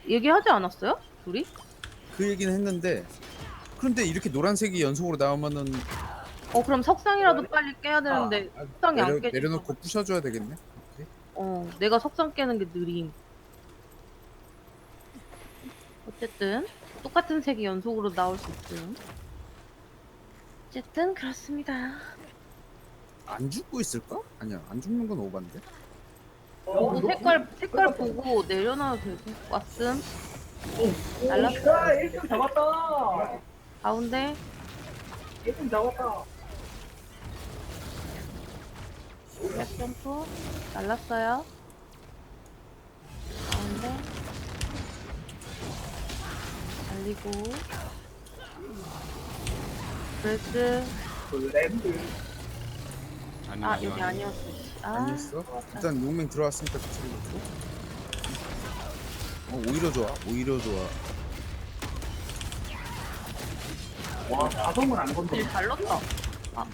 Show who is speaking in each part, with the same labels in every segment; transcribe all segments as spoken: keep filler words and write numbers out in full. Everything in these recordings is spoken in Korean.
Speaker 1: 얘기하지 않았어요? 둘이?
Speaker 2: 그 얘기는 했는데 그런데 이렇게 노란색이 연속으로 나오면은
Speaker 1: 어 그럼 석상이라도 빨리 깨야 되는데
Speaker 2: 아,
Speaker 1: 석상이 안
Speaker 2: 내려
Speaker 1: 깨진다.
Speaker 2: 내려놓고 부셔줘야 되겠네. 오케이.
Speaker 1: 어 내가 석상 깨는 게 느림. 어쨌든 똑같은 색이 연속으로 나올 수 있음. 어쨌든 그렇습니다.
Speaker 2: 안 죽고 있을까? 아니야, 안 죽는 건 오반데.
Speaker 1: 보고 색깔 색깔 보고 내려놔도 되고. 왔음. 날랐어.
Speaker 3: 야, 일 등 잡았다.
Speaker 1: 가운데
Speaker 3: 일 등 잡았다.
Speaker 1: 백 점프 날랐어요. 가운데 날리고 브레스.
Speaker 3: 블렌드.
Speaker 4: 아니
Speaker 1: 아
Speaker 4: 아니
Speaker 1: 여기
Speaker 4: 아니.
Speaker 1: 아니었어. 아
Speaker 2: 아니었어? 일단 용맹 들어왔으니까 그치를 놓고. 어, 오히려 좋아. 오히려 좋아.
Speaker 3: 와, 자동을 안 건드려.
Speaker 1: 일 잘 넣었다. 아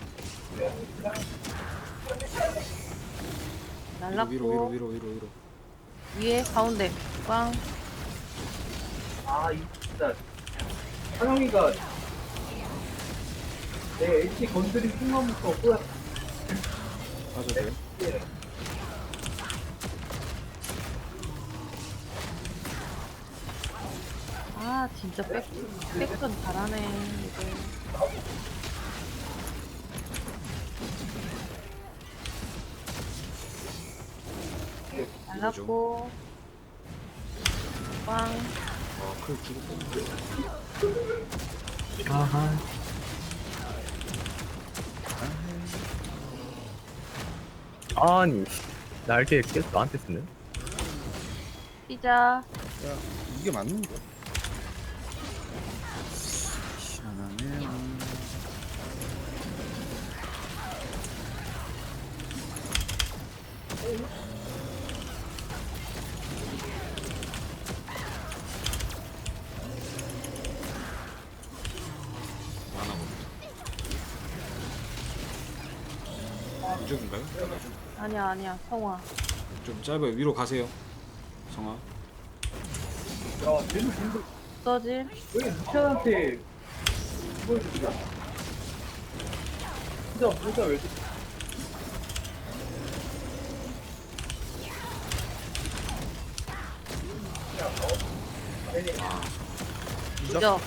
Speaker 4: 위로
Speaker 1: 날랐고
Speaker 4: 위로 위로 위로 위로.
Speaker 1: 위에 가운데 꽝.
Speaker 3: 아, 이 진짜. 하영이가 내 엣지 건드린 순간부터 꼬야.
Speaker 4: 맞아 돼.
Speaker 1: 아 진짜 백 백전 잘하네 이제. 날랐고 꽝.
Speaker 4: 아클 죽었고.
Speaker 5: 아하. 아니, 날개 계속 나한테 쓰네.
Speaker 1: 피자.
Speaker 2: 야, 이게 맞는 거야. 희한하네.
Speaker 4: 하나 봅니다. 이쪽인가요?
Speaker 1: 아니야 아니야 성화.
Speaker 4: 좀 짧아요. 위로 가세요. 성아.
Speaker 3: 야, 쟤는 근데
Speaker 1: 써질.
Speaker 3: 왜 루시안한테 보여주냐? 진짜, 진짜 왜 이렇게.
Speaker 1: 그죠?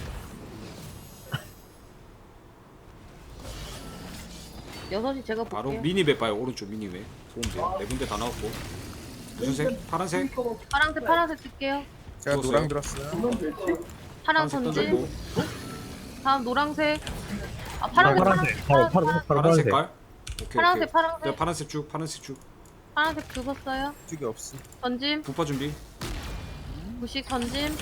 Speaker 1: 여섯이 제가
Speaker 4: 바로
Speaker 1: 볼게요.
Speaker 4: 미니배 봐요. 오른쪽 미니배. 보면 돼요. 네 군데 다 나왔고. 무슨 색? 파란색?
Speaker 1: 파란색 파란색 쓸게요.
Speaker 2: 제가
Speaker 4: 죽었어요?
Speaker 2: 노랑 들었어요.
Speaker 3: 그건 되지?
Speaker 1: 파란
Speaker 4: 파란색
Speaker 1: 선지.
Speaker 4: 던졌고.
Speaker 1: 다음 노랑색. 아 파란색
Speaker 5: 파란색,
Speaker 1: 파란색
Speaker 5: 파란,
Speaker 1: 파란색
Speaker 5: 파란,
Speaker 4: 파란
Speaker 5: 파란색.
Speaker 4: 색깔? 오케이
Speaker 1: 파란색
Speaker 4: 오케이.
Speaker 1: 파란색
Speaker 4: 네, 파란색 쭉. 파란색 쭉.
Speaker 1: 파란색 죽었어요.
Speaker 2: 쪽이 없어.
Speaker 1: 던짐.
Speaker 4: 부파 준비.
Speaker 1: 무식 던짐.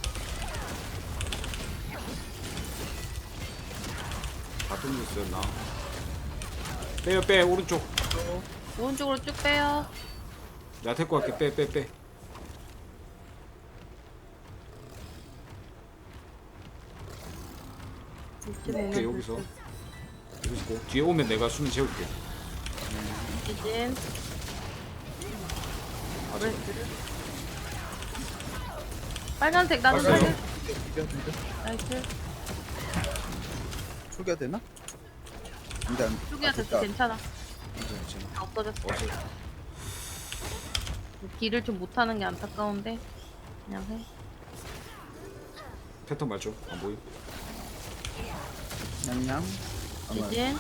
Speaker 4: 다 던졌어요 나. 빼요 빼 오른쪽.
Speaker 1: 오른쪽으로 쭉 빼요.
Speaker 4: 나 데리고 갈게. 빼 빼 빼. 오케이 여기서. 여기서 있고. 뒤에 오면 내가 수면 재울게.
Speaker 1: 지진. 브레스. 빨간색 나도
Speaker 4: 빨간색.
Speaker 1: 살릴.
Speaker 2: 비벼, 비벼.
Speaker 1: 나이스.
Speaker 2: 초기화 되나? 근데 안.
Speaker 1: 초기화
Speaker 2: 아,
Speaker 1: 됐어
Speaker 2: 됐다.
Speaker 1: 괜찮아.
Speaker 4: 괜찮아.
Speaker 1: 다 없어졌어.
Speaker 4: 어서.
Speaker 1: 딜을 좀 못하는 게 안타까운데 그냥 해.
Speaker 4: 패턴 맞죠? 안 보이?
Speaker 2: 냥냥. 아마
Speaker 1: 지진.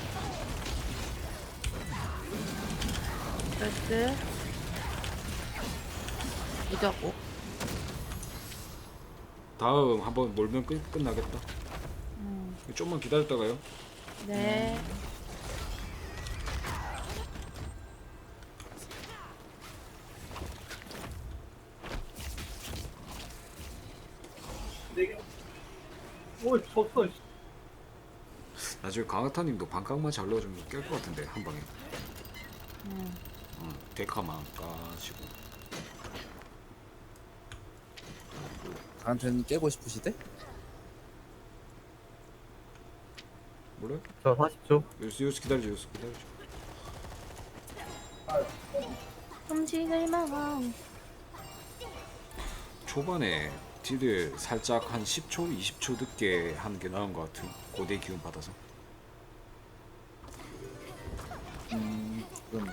Speaker 1: 브레스. 무적.
Speaker 4: 다음 한번 몰면 끝, 끝나겠다.
Speaker 1: 음.
Speaker 4: 좀만 기다렸다가요.
Speaker 1: 네.
Speaker 3: 오, 졌어. 씨.
Speaker 4: 나중에 강하타님도 반각만 잘 넣어주면 깰 것 같은데 한 방에.
Speaker 1: 음.
Speaker 4: 어, 데카만 까시고.
Speaker 2: 나한테는 깨고 싶으시대?
Speaker 4: 몰래?
Speaker 5: 저 사십 초.
Speaker 4: 여기서 여기서 기다려줘. 여기서 기다려줘.
Speaker 1: 음식을 먹어.
Speaker 4: 초반에 딜을 살짝 한 십 초, 이십 초 늦게 하는 게 나은 것 같은 고대 기운 받아서.
Speaker 2: 음, 그럼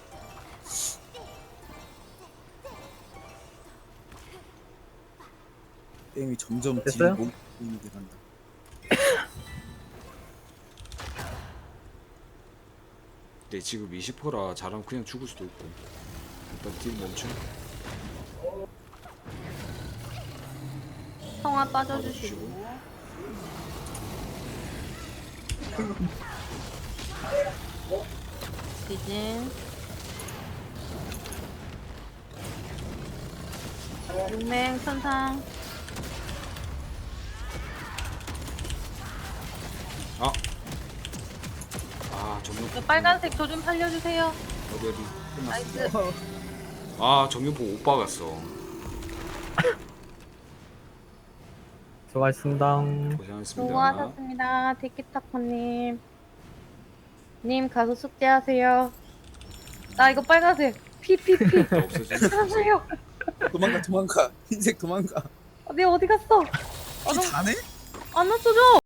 Speaker 2: 게임이 점점 딜이
Speaker 5: 됐어요?
Speaker 2: 몸이 돼간다.
Speaker 4: 근데 지금 이십 퍼라 잘하면 그냥 죽을 수도 있고. 일단 딜 멈춤.
Speaker 1: 성화 빠져주시고. 디진. 용맹 천상.
Speaker 4: 아! 아 정면
Speaker 1: 그 빨간색 저 좀 살려주세요.
Speaker 4: 어디 어디
Speaker 1: 나이스.
Speaker 4: 끝났습니다. 아 정면 보고 못 박았어.
Speaker 5: 수고하셨습니다.
Speaker 4: 고생하셨습니다.
Speaker 1: 수고하셨습니다. 티키타코님. 님 가서 숙제하세요. 나 이거 빨간색. 피피피.
Speaker 4: 없어진
Speaker 1: 살려주세요.
Speaker 2: 도망가 도망가 흰색 도망가.
Speaker 1: 어, 내 어디 갔어? 아,
Speaker 2: 피
Speaker 1: 너무
Speaker 2: 다네?
Speaker 1: 안 없어져.